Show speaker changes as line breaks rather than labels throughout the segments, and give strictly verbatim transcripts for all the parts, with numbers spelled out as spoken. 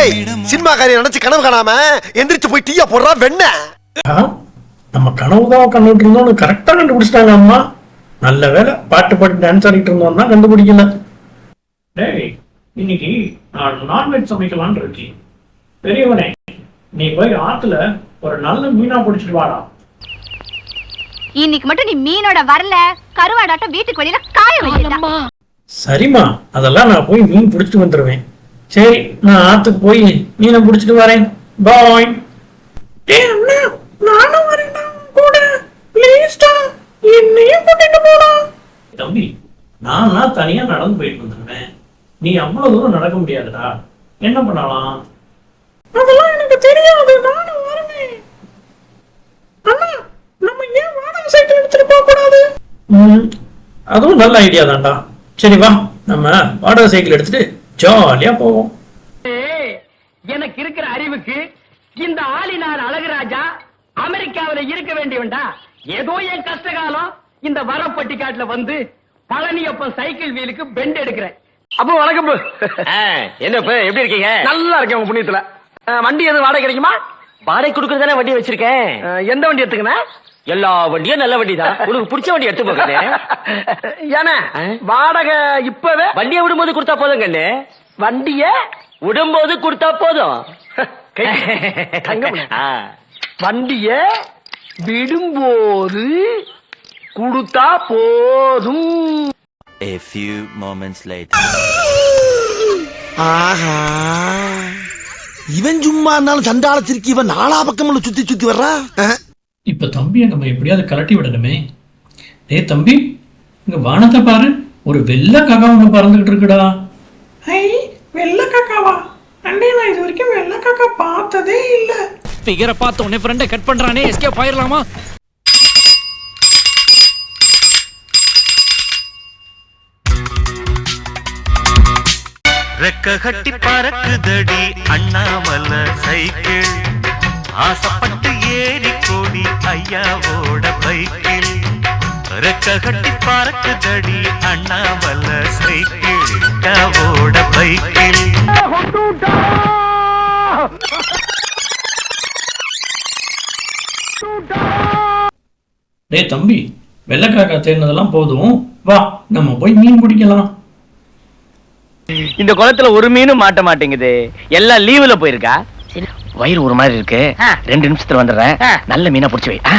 டேய் சினிமா காரியம் நினைச்சு கனவு காணாம எந்திரிச்சு போய் டீயா போடுறா வெண்ண.
நம்ம கனவுதான் கண்டுட்டு இருந்தோம், கரெக்டா கண்டுபிடிச்சிட்டாங்க அம்மா. நல்ல வேலை, பாட்டு பாட்டு டான்ஸ் ஆடிட்டு இருந்தோம் தான் கண்டுபிடிக்கல. டேய் இன்னைக்கு நான் நான்வெஜ் சமைக்கலான்னு இருக்கேன். பெரியவனே நீ போய் ஆத்துல ஒரு நல்ல மீனா பிடிச்சிட்டு வாடா.
இன்னைக்கு மட்டும் நீ மீனோட வரல, கருவாடாட்டம் வீட்டுக்கு வெளியில காய வைக்கலாமா? சரிம்மா,
அதெல்லாம் நான் போய் மீன் பிடிச்சிட்டு வந்துடுவேன். சரி நான் ஆத்துக்கு போய் மீனை பிடிச்சிட்டு வரேன். பாய். நானும் வரேன் கூட. ப்ளீஸ்டா என்னையும் கூட்டிட்டு போடா. தம்பி நான் தனியா நடந்து போயிட்டு வந்துடுவேன். நீ அவ்வளவு தூரம் நடக்க முடியாதுடா. என்ன பண்ணலாம்? அதெல்லாம் எனக்கு தெரியாது, நானும் வருவேன். அண்ணா நம்ம ஏன் வாடகை சைக்கிள் எடுத்துட்டு போக கூடாது? அதுவும் நல்ல ஐடியா தான்டா. சரி வா, நம்ம வாடகை சைக்கிள் எடுத்துட்டு ஜாலியா போவோம்.
எனக்கு இருக்கிற அறிவுக்கு இந்த ஆளினார் அழகுராஜா அமெரிக்காவில இருக்க வேண்டியவன்டா. ஏதோ என் கஷ்டகாலம் இந்த வரப்பட்டி காட்டுல வந்து பழனியப்பன் சைக்கிள் வீலுக்கு பெண்ட் எடுக்கிறேன். அப்போ வணக்கம். என்ன எப்படி இருக்கீங்க? நல்லா இருக்கேன் உங்க புண்ணியத்துல. வண்டி எதுவும் வாடகை கிடைக்குமா? வாடகை கொடுக்கறதானே வண்டி வச்சிருக்கேன். எந்த வண்டி எடுத்துக்கணும்? எல்லா வண்டியும் நல்ல வண்டி தான். உனக்கு பிடிச்ச வண்டி எடுத்து போக. ஏன்னா வாடகை இப்பவே வண்டியை விடும்போது கொடுத்தா போதும் கண்ணு. வண்டிய விடும்போது கொடுத்தா போதும். வண்டிய விடும்போது கொடுத்தா போதும்.
A few moments later.
ஆஹா, இவன் சும்மா இருந்தாலும் சண்டாளத்திற்கு இவன் நாலா பக்கம் சுத்தி சுத்தி வர்றா.
இப்ப தம்பியை நம்ம எப்படியாவது கலட்டி விடணுமே. டே தம்பி, இங்க வானத்தை பாரு, ஒரு வெள்ளை காக்கா ஒண்ணு பறந்துகிட்டு இருக்குடா. ஐ, வெள்ளை காக்காவா? அண்டே நான் இது வரைக்கும் வெள்ளை காக்கா பார்த்ததே இல்ல.
ஃபிகரை பார்த்த உடனே ஃப்ரெண்டை கட் பண்றானே, எஸ்கேப் ஆயிரலாமா?
ரெக்க கட்டி பறக்குதடி அண்ணாமல சைக்கிள், ஆசைப்பட்டு ஏறி கோடி ஐயாவோட பைக்கில். ரெக்க கட்டி பறக்குதடி அண்ணாமல சைக்கிள், ஐயாவோட பைக்கில்.
டே தம்பி, வெள்ளைக்காக்கா தேர்னதெல்லாம் போதும், வா நம்ம போய் மீன் பிடிக்கலாம்.
இந்த குளத்துல ஒரு மீனும் மாட்ட மாட்டேங்குது, எல்லாம் லீவுல போயிருக்கா. வயிறு ஒரு மாதிரி இருக்கு, ரெண்டு நிமிஷத்துல வந்துடுறேன். நல்ல மீனா பிடிச்சி வை.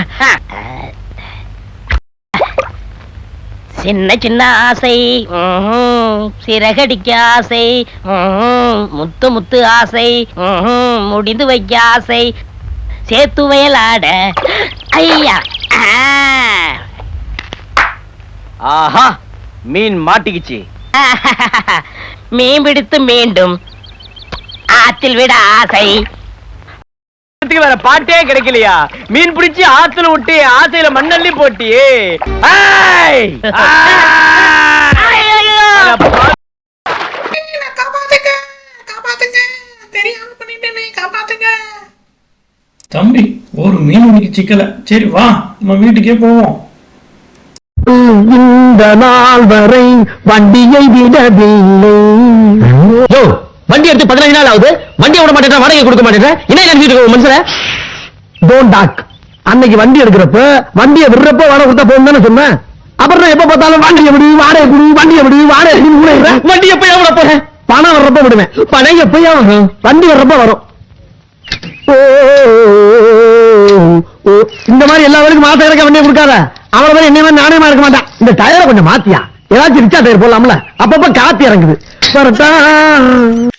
சின்ன சின்ன ஆசை, சிறகடிக்க ஆசை, முத்து முத்து ஆசை, முடிந்து வைக்க ஆசை, சேத்து வயலாட. ஐயா,
ஆஹா, மீன் மாட்டிக்கிச்சு.
மீன் பிடித்து மீண்டும் ஆத்தில் விட ஆசை.
வேற பாட்டே கிடைக்கலையா? மீன் பிடிச்சி ஆத்துல விட்டு ஆசையில மண்ணள்ளி போட்டியே.
தம்பி ஒரு மீன் உனக்கு சிக்கல. சரி வா நம்ம வீட்டுக்கே போவோம்.
இந்த நாள் வரை வண்டியை விடவில்லை. வண்டி எடுத்து பதினஞ்சு நாள் ஆகுது, வண்டியை விட மாட்டேன், வாடகை கொடுக்க மாட்டேன். என்ன மனுஷன்? Don't talk. அன்னைக்கு வண்டி எடுக்கிறப்ப வண்டியை விடுறப்ப வாடகை கொடுத்தா போகும் தானே சொன்னேன். அப்புறம் எப்ப பார்த்தாலும் வண்டியை விடு, வாடகை கொடு, வண்டியை விடு, வாடகை வண்டி எப்ப எவ்வளவு போறேன்? பணம் வர்றப்ப விடுவேன், பணம் எப்பயா வரும்? வண்டி வர்றப்ப வரும். இந்த மாதிரி எல்லா வேலைக்கும் மாசம் இறக்க வண்டியை கொடுக்காத. அவளை மாதிரி என்ன மாதிரி நாணயமா இருக்க மாட்டான். இந்த டயரை கொஞ்சம் மாத்தியா, ஏதாச்சும் ரிச்சா டயர் போடலாம்ல, அப்பப்ப காத்து இறங்குது.